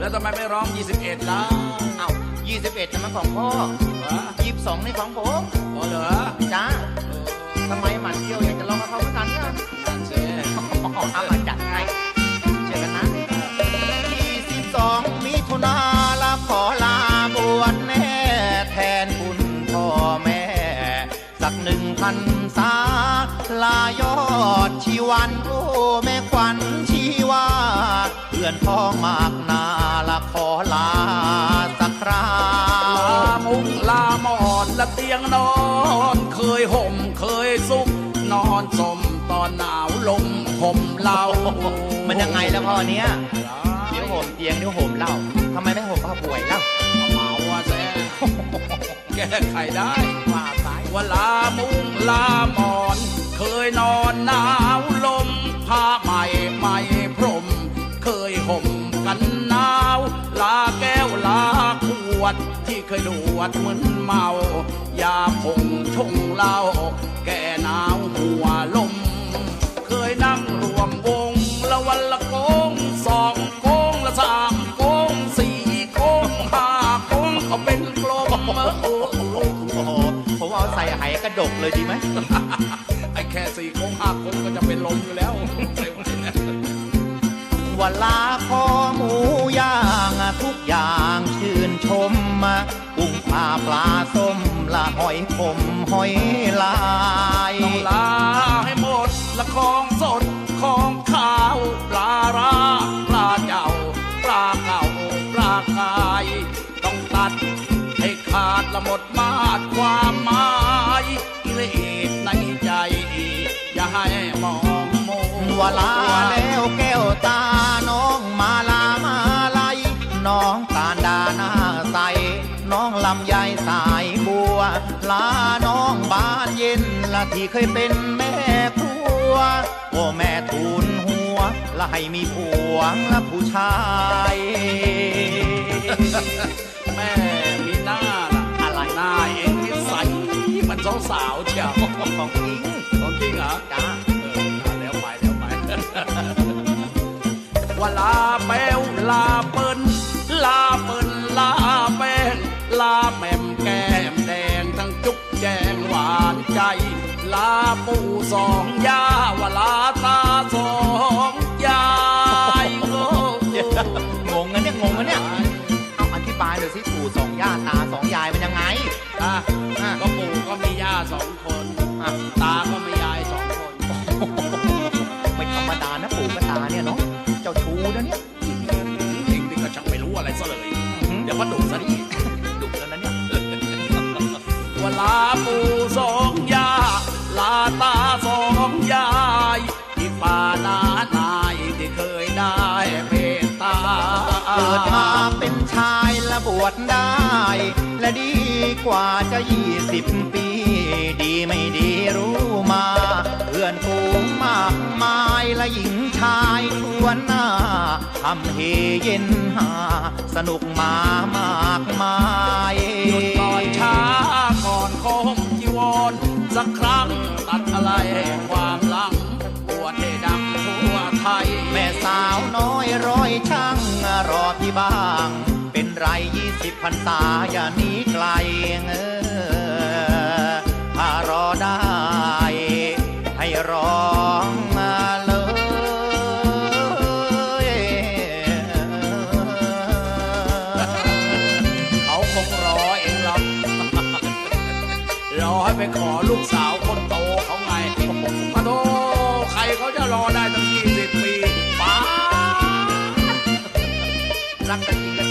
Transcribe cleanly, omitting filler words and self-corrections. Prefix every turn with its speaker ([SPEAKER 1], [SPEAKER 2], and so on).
[SPEAKER 1] แล้วทำไมไม่ร้อง21ล่ะ
[SPEAKER 2] เอ้า21นะมันของพ่อ22นี่ของผม
[SPEAKER 1] อ๋อเหรอ
[SPEAKER 2] จ้าทำไมหมันเที่ยวอยากจะร้องกับเขาเหมือนกันเนี่ย
[SPEAKER 1] นั่นสิ
[SPEAKER 2] เอามาจัดให้เจอกันนะ22มิถุนาละขอลาบวชแน่แทนคุณพ่อแม่สัก1,000 พรรษาลายอดชีวันโอ้แม่ขวัญชีวาเพื่อนพ้องมากนาละขอลาสักครา
[SPEAKER 1] ลามุ้งลาหมอนละเตียงนอนเคยห่มเคยซุกนอนสมตอนหนาวลมห่มเล่า
[SPEAKER 2] มันยังไงแล้วพ่อเนี้ยเดี๋ยวห่มเตียงเดี๋ยวห่มเหล้าทำไมไม่ห่มผ้าป่วยเล่า
[SPEAKER 1] เมาว่าแซ่แก้ไขได้ว่าสายว่าลามุ้งลาหมอนเคยนอนหนาวลมผ้าใหม่ใหม่พรมเคยห่มกันหนาวลาแก้วลาขวดที่เคยดวดมึนเมายาผงชงเหล้าแก่หนาวหัวลมเคยนั่งรวมวงละวันละโกง2 โกงละ3 โกง4 โกง5 โกงก็เป็นกลม
[SPEAKER 2] โอ้โหผมเอาใส่ไหกระดกเลยดีไหม
[SPEAKER 1] ไอ้แค่4 โกง5 โกงก็จะเป็นลมอยู่แล้ว
[SPEAKER 2] วันลาคอหมูย่างทุกอย่างชื่นชมมากุ้งปลาปลาส้มละหอยขมหอยลาย
[SPEAKER 1] ต้องลาให้หมดละของสดของข้าวปลาร้าปลาเจ้าปลาเก่าปลากายต้องตัดให้ขาดละหมดมาดความหมายกิเลสในใจอย่าให้มองโม
[SPEAKER 2] วลาแล้วแก้วตาน้องมาลามาลายน้องการดาหน้าใสน้องลำไยสายบัวลาน้องบานเย็นละที่เคยเป็นแม่ครัวโอ้แม่ทูลหัวละให้มีผัวละผู้ชาย
[SPEAKER 1] แม่มีหน้าล่ะอะไรหน้าเองนิสัยมันสาวๆเชียว
[SPEAKER 2] ของจริง
[SPEAKER 1] เหรอ
[SPEAKER 2] จ้า
[SPEAKER 1] แล้วไปว่าลาแป้วลาเปิ้ลลาเปิ้ลลาแป้งลาแม่มแก้มแดงทั้งจุ๊บแจงหวานใจลาปู่2 ย่าว่าลาตา2 ยาย
[SPEAKER 2] งงกันเนี่ยเอาอธิบายหน่อยสิปู่2 ย่าตา2 ยายมันยังไง
[SPEAKER 1] ก็ปู่ก็มีย่า2 คนตาก็มียาย2 คน
[SPEAKER 2] ไม่ธรรมดานะปู่กับตาเนี่ยเนาะเจ้าชู้นะเนี่ย
[SPEAKER 1] เองนี่ก็ช่างไม่รู้อะไรซะเลยเดี๋ยวมาดุซะดิ
[SPEAKER 2] ดุแล้วนะเนี่ย
[SPEAKER 1] ว่าลาปู่2 ย่าลาตา2 ยายที่ป่านาหนายที่เคยได้เมตตา
[SPEAKER 2] เกิดมาเป็นชายละบวชได้และดีกว่าจะ20 ปีดีไม่ดีรู้มาเพื่อนฝูงมากมายและหญิงชายทั่วหน้าทำเฮเย็นหาสนุกมามากมาย
[SPEAKER 1] หยุดก่อนช้าก่อนคมจีวรสักครั้งตัดอะไรความหลังบวชให้ดังทั่วไทย
[SPEAKER 2] แม่สาวน้อยร้อยช่างรอที่บ้างเป็นไร20 พรรษาอย่าหนีไกลถ้ารอได้ให้ร้องมาเลย
[SPEAKER 1] เขาคงรอเองหรอกรอให้ไปขอลูกสาวคนโตเขาไงมาโตใครเขาจะรอได้ตั้ง20 ปีป้า
[SPEAKER 2] รักกันจริง